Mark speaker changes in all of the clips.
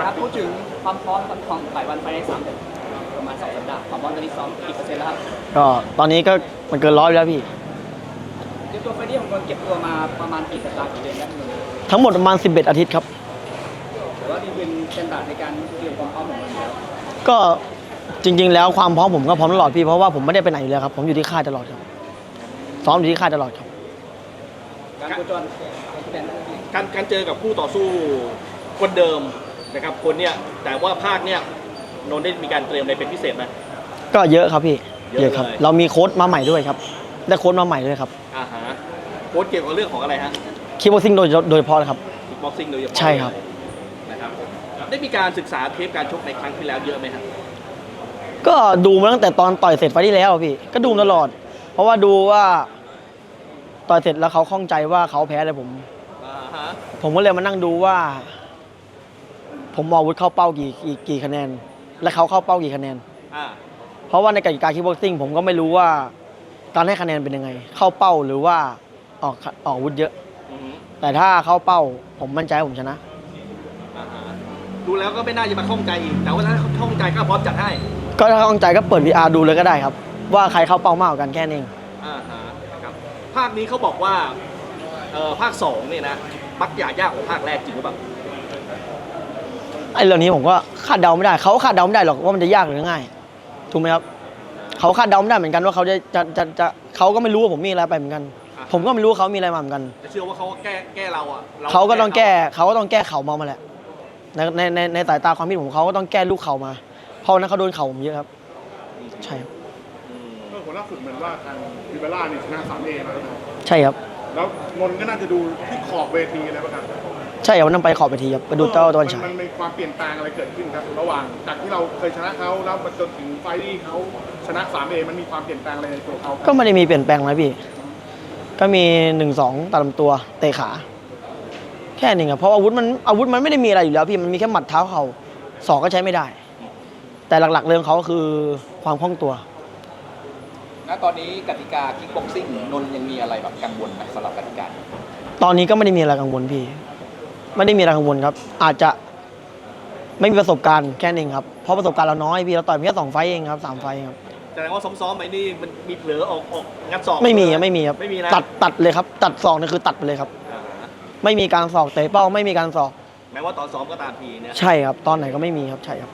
Speaker 1: ครับพูดถึงความพร้อมของฝ่ายวันไฟใน3 เดือนประมาณ2 สัปดาห์ความพร้อมตอนนี้ซ้อมกี่เปอร์เซ็นต์แล้วครับ
Speaker 2: ก็ตอนนี้ก็มันเกิน100แล้วพี่
Speaker 1: เตรียมตัวไฟนี้ของคนเก็บตัวมาประมาณกี่สัปดาห์กี่เดือนแล้วมึง
Speaker 2: ทั้งหมดประมาณ11อาทิตย์ครับ
Speaker 1: แต่ว่านี่เป็นสแตนดาร์ดในการเตรียมความพร้อมของมันแล้ว
Speaker 2: ก็จริงๆแล้วความพร้อมผมก็พร้อมตลอดพี่เพราะว่าผมไม่ได้ไปไหนอยู่แล้วครับผมอยู่ที่ค่ายตลอดครับซ้อมอยู่ที่ค่ายตลอดครับ
Speaker 1: การโคจร
Speaker 3: การเจอกับคู่ต่อสู้คนเดิมนะครับคนเนี้ยแต่ว่าภาคเนี้ยนนท์ได้มีการเตรียมอะไรเป็นพิเศษไหม
Speaker 2: ก็เยอะครับพี่
Speaker 3: เยอะ
Speaker 2: ครับ
Speaker 3: เลย
Speaker 2: เรามีโค้ชมาใหม่ด้วยครับได้โค้ชมาใหม่ด้วยครับ
Speaker 3: ฮะโค้ชเกี่ยวกับเรื่องของอะไรฮะ
Speaker 2: คิกบ็อกซิ่งโดยเฉพาะเลยครับ
Speaker 3: คิกบ็อกซิ่งโดยเฉพาะ
Speaker 2: ใช่ครับ
Speaker 3: นะครับได้มีการศึกษาเทปการชกในครั้งที่แล้วเยอะไหมครับ
Speaker 2: ก็ดูมาตั้งแต่ตอนต่อยเสร็จไฟล์ที่แล้วพี่ก็ดูตลอด เพราะว่าดูว่าต่อยเสร็จแล้วเขาข้องใจว่าเขาแพ้อะไรผมก็เลยมานั่งดูว่า ผมมองวุฒิเข้าเป้ากี่คะแนน และเขาเข้าเป้ากี่คะแนนเพราะว่าในกติกาคิกบ็อกซิ่งผมก็ไม่รู้ว่าการให้คะแนนเป็นยังไง เข้าเป้าหรือว่าออกวุฒิเยอะแต่ถ้าเข้าเป้าผมมั่นใจผมชนะ
Speaker 3: ดูแล้วก็ไม่น่าจะมาข้องใจอีกแต่ว่าถ้าข้องใจก็พร้อมจัดให้
Speaker 2: ก็ถ้าข้องใจก็เปิด VR ดูเลยก็ได้ครับว่าใครเข้าเป้ามากกว่ากันแค่นี้
Speaker 3: ครับภาคนี้เขาบอกว่าภาค2เนี่ยนะมักยากกว่าภาคแรกจริงหรือเปล่า
Speaker 2: ไอ้เรื่องนี้ผมก็คาดเดาไม่ได้เขาคาดเดาไม่ได้หรอกว่ามันจะยากหรือง่ายถูกไหมครับเขาคาดเดาไม่ได้เหมือนกันว่าเขาจะเขาก็ไม่รู้ว่าผมมีอะไรไปเหมือนกันผมก็ไม่รู้ว่าเขามีอะไรมาเหมือนกัน
Speaker 3: แต่เชื่อว่าเขาแก้เราอ่ะ
Speaker 2: เขาก็ต้องแก้เข่ามาแหละในสายตาความคิดผมเขาก็ต้องแก้ลูกเข่ามาเพราะนั้นเขาโดนเข่าผมเยอะครับใช่ครับ
Speaker 4: ก็ผลล่าสุดเหมือนว่าทางวิเบล่านี่ชนะ3Aมาแล้ว
Speaker 2: ใช่ครับ
Speaker 4: แล้วนนท์ก็น่าจะดูที่ขอบเวทีอะไรบ้างครับ
Speaker 2: ใช่ครับวันนั้นไปขอบเวทีครับไปดูเต้าตะวันฉาย
Speaker 4: มันมีความเปลี่ยนแปลงอะไรเกิดขึ้นครับระหว่างจากที่เราเคยชนะเขาแล้วมาจนถึงไฟที่เขาชนะ3Aมันมีความเปลี่ยนแปลงอะไรในตัวเขา
Speaker 2: ก็ไม่ได้มีเปลี่ยนแปลงอะไรพี่ก็มี1-2ตัดลำตัวเตะขาแค่นี้ครับเพราะอาวุธมันไม่ได้มีอะไรอยู่แล้วพี่มันมีแค่หมัดเท้าเข่าศอกก็ใช้ไม่ได้แต่หลักๆเรื่องเขาก็คือความคล่องตัว
Speaker 1: ณตอนนี้กติกาคิกบ็อกซิ่งนนท์ยังมีอะไรแบบกังวลไหมสำหรับกติกา
Speaker 2: ตอนนี้ก็ไม่ได้มีอะไรกังวลพี่ไม่ได้มีอะไรกังวลครับอาจจะไม่มีประสบการณ์แค่นี้ครับเพราะประสบการณ์เราน้อยพี่เราต่อยเพียงแค่2 ไฟต์เองครับ3 ไฟต์ครับ
Speaker 3: แสดงว่าซ้อมๆไปนี่มันมีเผลอออกงัดศอก
Speaker 2: ไม่มีครับไม่มีครับ
Speaker 3: ไม่มีนะ
Speaker 2: ตัดเลยครับตัดศอกนี่คือตัดไปเลยครับไม่มีการศอกเตะเป้าไม่มีการศอก
Speaker 3: แม้ว่าตอนซ้อมก็ตามทีเนี่ย
Speaker 2: ใช่ครับตอนไหนก็ไม่มีครับใช่ครับ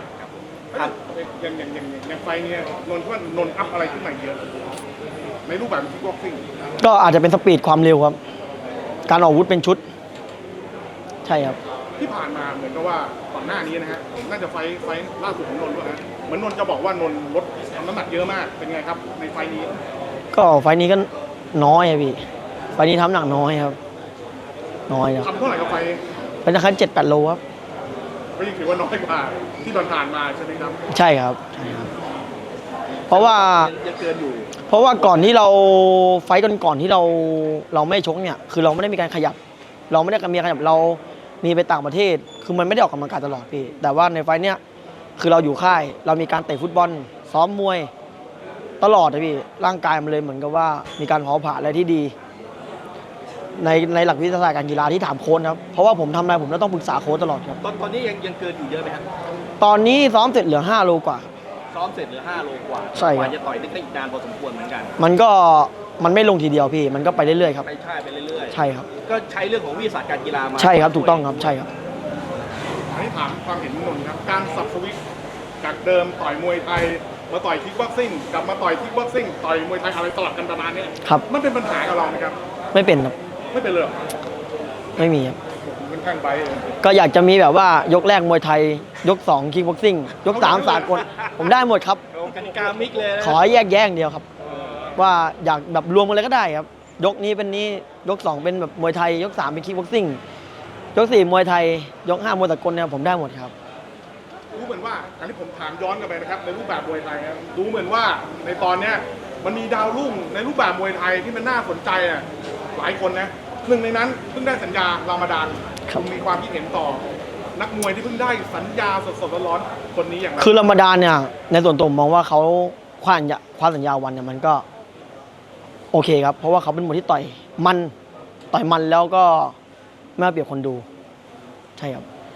Speaker 4: อย่างไฟนี้นนท์ว่านนท์อัพอะไรขึ้นมาเยอะในรูปแบบคิกบ็อกซิ่ง
Speaker 2: ก็อาจจะเป็นสปีดความเร็วครับการออกอาวุธเป็นชุดใช่ครับ
Speaker 4: ที่ผ่านมาเหมือนกับว่าก่อนหน้านี้นะฮะน่าจะไฟล่าสุดของนนท์ด้วยนะเหมือนนนท์จะบอกว่านนท์ลดน้ำหนักเยอะมากเป็นไงครับในไฟนี้
Speaker 2: ก็ไฟนี้ก็น้อยครับพี่ไฟนี้ทำหนักน้อยครับน้อยครับ
Speaker 4: ทำเท่าไหร่กับไฟ
Speaker 2: เป็นราคา7-8 โลครับ
Speaker 4: ก็ยังถือว่าน้อยกว่าที่ผ่านมาใช่ไหมครับ
Speaker 2: ใช่ครับใช่ครับเพราะว่า
Speaker 3: ยังเกินอยู่
Speaker 2: เพราะว่าก่อนที่เราไฟก่อนที่เราไม่ชกเนี่ยคือเราไม่ได้มีการขยับเราไม่ได้มีขยับเรามีไปต่างประเทศคือมันไม่ได้ออกกำลังกายตลอดพี่แต่ว่าในไฟเนี้ยคือเราอยู่ค่ายเรามีการเตะฟุตบอลซ้อมมวยตลอดเลยพี่ร่างกายมันเลยเหมือนกับว่ามีการเผาผลาญอะไรที่ดีในหลักวิทยาศาสตร์การกีฬาที่ถามโค้ชครับเพราะว่าผมทำอะไรผมต้องปรึกษาโค้ชตลอดครับ
Speaker 3: ตอนนี้ยังเกินอยู่เยอะไหมครับ
Speaker 2: ตอนนี้ซ้อมเสร็จเหลือ5 โลกว่า
Speaker 3: ซ้อมเสร็จเหลือ5 โลกว่า
Speaker 2: ใช่ครับ
Speaker 3: จะต่อยได้อีกนานพอสมควรเหมือนกัน
Speaker 2: มันไม่ลงทีเดียวพี่มันก็ไปเรื่อยๆครับ
Speaker 3: ไปเรื่อย
Speaker 2: ๆใช่ครับ
Speaker 3: ก็ใช้เรื่องของวิทยาศาสตร์การกีฬามา
Speaker 2: ใช่ครับถูกต้องครับใช่ครับ
Speaker 4: อันนี้ถามความเห็นนนท์ครับการสับสวิตจากเดิมต่อยมวยไทยมาต่อยคิกบ็อกซิ่งกลับมาต่อยคิกบ็อกซิ่งต่อยมวยไทยอะไรสลับกันประมาณนี้
Speaker 2: ครับ
Speaker 4: มันเป็นปัญหากับเราไหมครับ
Speaker 2: ไม่เป็นครับ
Speaker 4: ไม่เป็นเลย
Speaker 2: ไม่มีครับ
Speaker 4: เป็นข้างใบ
Speaker 2: ก็อยากจะมีแบบว่ายกแรกมวยไทยยก2คิกบ็อกซิ่งยก3สากลผมได้หมดครับ
Speaker 3: กติกามิกเลย
Speaker 2: ขอแยกแยะเดียวครับว่าอยากแบบรวมกันเลยก็ได้ครับยกนี้เป็นนี้ยก2เป็นแบบมวยไทยยก3เป็นคิกบ็อกซิ่งยก4มวยไทยยก5มวยสากลเนี่ยผมได้หมดครับ
Speaker 4: รู้เหมือนว่าอันนี้ผมถามย้อนกลับไปนะครับในรูปแบบมวยไทยครับรู้เหมือนว่าในตอนเนี้ยมันมีดาวรุ่งในรูปแบบมวยไทยที่มันน่าสนใจอ่ะหลายคนนะหนึ่งในนั้นเพิ่งได้สัญญารามฎานคุณมีความคิดเห็นต่อนักมวยที่เพิ่งได้สัญญาสดๆร้อนๆคนนี้อย่างไร
Speaker 2: คือรามฎานเนี่ยในส่วนตัวผมมองว่าเขาคว้าสัญญาวันเนี่ยมันก็โอเคครับเพราะว่าเขาเป็นมวยที่ต่อยมันแล้วก็ไม่เอาเปรียบคนดูใช่ครับ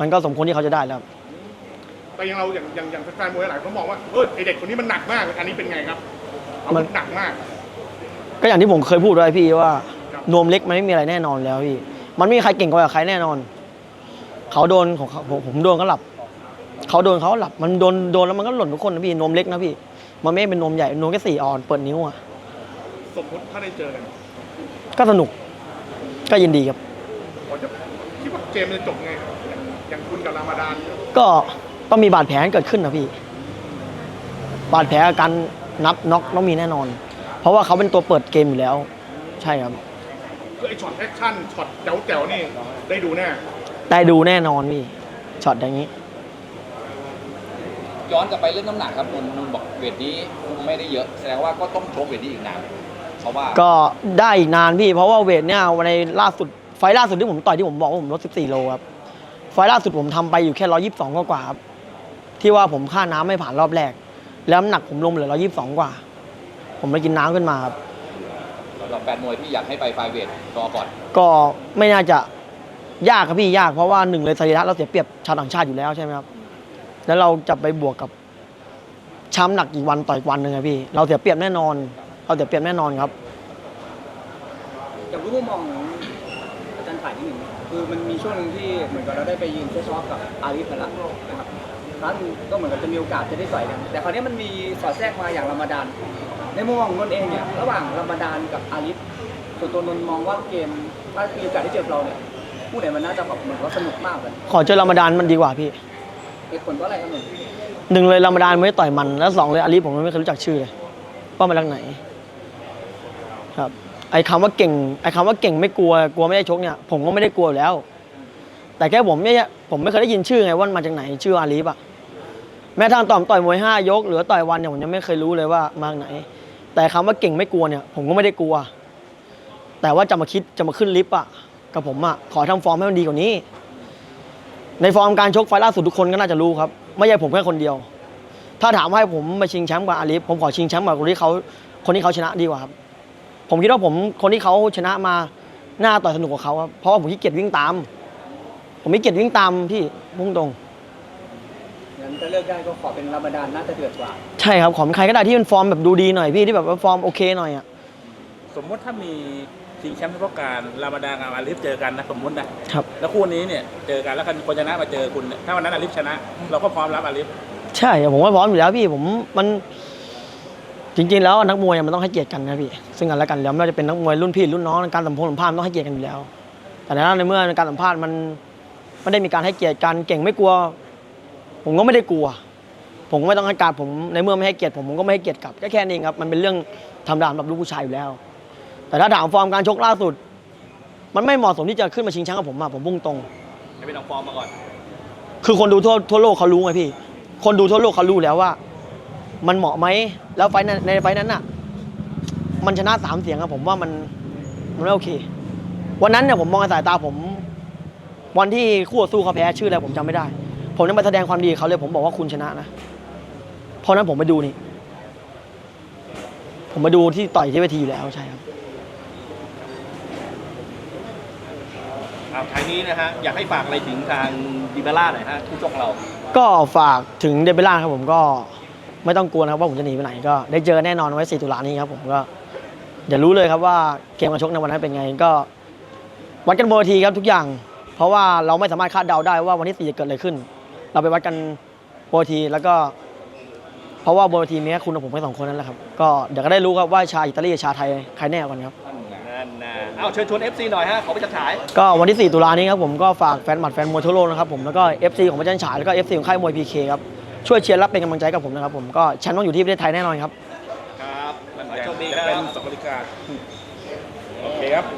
Speaker 2: มันก็สมควรที่เขาจะได้แล้ว
Speaker 4: แต่อย่างเราอย่างแฟนมวยหลายคนมองว่าไอเด็กคนนี้มันหนักมากอันนี้เป็นไงครับมันหนักมาก
Speaker 2: ก็อย่างที่ผมเคยพูดไว้พี่ว่า
Speaker 4: ครับ
Speaker 2: นวมเล็กมันไม่มีอะไรแน่นอนแล้วพี่มันไม่มีใครเก่งกว่าใครแน่นอนเขาโดนของเขาผมโดนเขาหลับเขาโดนเขาหลับมันโดนแล้วมันก็หล่นทุกคนนะพี่นวมเล็กนะพี่มันไม่เป็นนวมใหญ่นวมแค่4 ออนเปิดนิ้วอ่ะ
Speaker 4: สมมติถ้าได้เจอกัน
Speaker 2: ก็สนุกก็ยินดีครับ
Speaker 4: ผมจะคิดว่าเกมมันจะจบไงครับอย่างคุณกับรามาดาน
Speaker 2: ก็ต้องมีบาดแผลเกิดขึ้นนะพี่บาดแผลอาการนับน็อกต้องมีแน่นอน เพราะว่าเขาเป็นตัวเปิดเกมอยู่แล้ว ใช่ครับ
Speaker 4: คือไอช็อตแอคชั่นช็อตแจ๋วๆนี่ได้ดูแน่
Speaker 2: ได้ดูแน่นอนพี่ช็อตอย่างนี้
Speaker 1: ย้อนกลับไปเรื่องน้ำหนักครับนนบอกเวทนี้คุมไม่ได้เยอะแสดงว่าก็ต้องชกเวทนี้อีกนานเพราะว่า
Speaker 2: ก็ได้อีกนานพี่เพราะว่าเวทเนี่ยในล่าสุดไฟล์ล่าสุดที่ผมต่อยที่ผมบอกว่าผมลด14 โลครับไฟล์ล่าสุดผมทำไปอยู่แค่122กว่าครับที่ว่าผมค่าน้ำไม่ผ่านรอบแรกแล้วน้ำหนักผมลงเหลือ122กว่าผมไปกินน้ำขึ้นมาครับ
Speaker 1: สำหรับแฟนมวยที่อยากให้ไปไฟเวทรอก่อน
Speaker 2: ก็ไม่น่าจะยากครับพี่ยากเพราะว่าหนึ่งเลยสรีระเราเสียเปรียบชาวต่างชาติอยู่แล้วใช่ไหมครับแล้วเราจะไปบวกกับช้ำหนักอีกวันต่อยวันหนึ่งครับพี่เราเสียเปรียบแน่นอนเราเสียเปรียบแน่นอนครับ
Speaker 5: อยากรู้มุมมองของอาจารย์ฝ่ายที่หนึ่งคือมันมีช่วงหนึ่งที่เหมือนกับเราได้ไปยืนเฟซออฟกับอาลีฟกันละนะครับครั้งก็เหมือนกับจะมีโอกาสจะได้ต่อยกันแต่คราวนี้มันมีสอดแทรกมาอย่างรามาดานในมุมมองของนนท์เองเนี่ยระหว่างรามาดานกับอาลีฟส่วนตัวนนท์มองว่าเกมถ้ามีโอกาสได้เจอเราเนี่ยผู้ไหนมันน่าจะแบบเหมือนว่าสนุกมากเลย
Speaker 2: ขอเจอรามฎานมันดีกว่าพี่
Speaker 5: เหตุผลว่าอะไรครับนนท์
Speaker 2: หนึ่งเลยรามฎานไม่ได้ต่อยมันแล้วสองเลยอาลีผมไม่เคยรู้จักชื่อเลยว่ามาจากไหนครับไอ้คำว่าเก่งไม่กลัวไม่ได้ชกเนี่ยผมก็ไม่ได้กลัวอยู่แล้ว แต่แค่ผมไม่เคยได้ยินชื่อไงว่ามันมาจากไหนชื่ออาลีฟอะแม้ทางต่อยมวย5 ยกหรือต่อยวันเนี่ยผมยังไม่เคยรู้เลยว่ามาจากไหน แต่คำว่าเก่งไม่กลัวเนี่ยผมก็ไม่ได้กลัว แต่ว่าจะมาขึ้นลิฟต์อะกับผมอะขอทำฟอร์มให้มันดีกว่านี้ ในฟอร์มการชกไฟล์ล่าสุดทุกคนก็น่าจะรู้ครับไม่ใช่ผมแค่คนเดียว ถ้าถามว่าให้ผมมาชิงแชมป์กับอาลีฟผมขอชิงแชมป์กับคนที่เขาชนะดีกว่าครับผมคิดว่าคนที่เขาชนะมาหน้าต่อยสนุกกว่าเขาครับเพราะว่าผมขี้เกียจวิ่งตาม ผมไม่เกียจวิ่งตามพี่พุ่งตรง
Speaker 5: งั้นก็เลือกได้ก็ขอเป็นรามาดานน่าจะเดือดกว่า
Speaker 2: ใช่ครับขอเป็นใครก็ได้ที่เป็นฟอร์มแบบดูดีหน่อยพี่ที่แบบว่าฟอร์มโอเคหน่อยอ่ะ
Speaker 6: สมมติถ้ามีชิงแชมป์เฉพาะการรามาดานกับอาลิฟเจอกันนะสมมตินะครับ แล้วคู่นี้เนี่ยเจอกันแล้วคนชนะมาเจอคุณเนี่ยถ้าวันนั้นอาลิฟชนะ เราก็พร้อมรับอาลิฟ
Speaker 2: ใช่ผมว่าพร้อมอยู่แล้วพี่มันจริงๆแล้วนักมวยมันต้องให้เกียรติกันนะพี่ซึ่งกันและกันแล้วไม่ว่าจะเป็นนักมวยรุ่นพี่รุ่นน้องการสัมภาษณ์มันต้องให้เกียรติกันอยู่แล้ว แต่ในเมื่อการสัมภาษณ์มันไม่ได้มีการให้เกียรติกันเก่งไม่กลัว ผมก็ไม่ได้กลัว ผมก็ไม่ต้องให้การผมในเมื่อไม่ให้เกียรติผมก็ไม่ให้เกียรติกลับแค่นี้ครับมันเป็นเรื่องธรรมดาสำหรับลูกผู้ชายอยู่แล้ว แต่ถ้าถามฟอร์มการชกล่าสุด มันไม่เหมาะสมที่จะขึ้นมาชิงแชมป์กับผมผมพุ่งตรง
Speaker 3: ให้เป็นเอาฟอร์มมาก่อน
Speaker 2: คือคนดูทั่วโลกเขารู้ไงพี่ คนดูทั่วโลกเขารู้แล้วว่า มันเหมาะไหมแล้วในไฟนั้นน่ะ มันชนะ3 เสียงครับผมว่ามันไม่โอเค วันนั้นเนี่ยผมมองในสายตาผม วันที่คู่ต่อสู้เขาแพ้ชื่ออะไรผมจำไม่ได้ ผมยังไปแสดงความดีกับเขาเลยผมบอกว่าคุณชนะนะเพราะนั้นผมไปดูนี่ ผมมาดูที่ต่อยที่เวทีอยู่แล้วใช่ครับ
Speaker 3: ท้ายนี้นะฮะอยากให้ฝากอะไรถึงทางดิเบล่าหน่อยฮะผู้ชกเรา
Speaker 2: ก็ฝากถึงเดบิล่าครับผมก็ไม่ต้องกลัวนะครับว่าผมจะหนีไปไหนก็ได้เจอแน่นอนไว้4 ตุลานี้ครับผมก็อย่ารู้เลยครับว่าเกมการชกในวันนั้นเป็นไงก็วัดกันบนเวทีครับทุกอย่าง เพราะว่าเราไม่สามารถคาดเดาได้ว่าวันที่4จะเกิดอะไรขึ้น เราไปวัดกันบนเวทีแล้วก็เพราะว่าบนเวทีมีแค่คุณกับผมแค่2 คนนั่นแหละครับก็เดี๋ยวก็ได้รู้ครับว่าชาวอิตาลีกับชาวไทยใครแน่กว่ากันครับ
Speaker 3: นั่นนะเอาเชิญชวน FC หน่อยฮะขอไปจัดฉาย
Speaker 2: ก็วันที่4 ตุลานี้ครับผมก็ฝากแฟนหมัดแฟนมวยทั่วโลกนะครับผมแล้วก็ FC ของพระจันทร์ฉายแล้วก็ FC ของค่ายมวย PK ครับช่วยเชียร์รับเป็นกำลังใจกับผมนะครับผมก็แชมป์ต้องอยู่ที่ประเทศไทยแน่นอนครับ
Speaker 3: ครับขอให้โชคดีค
Speaker 6: จะ
Speaker 3: รั
Speaker 6: เป็น
Speaker 3: บ
Speaker 6: 2 นาฬิกาโอเคครับ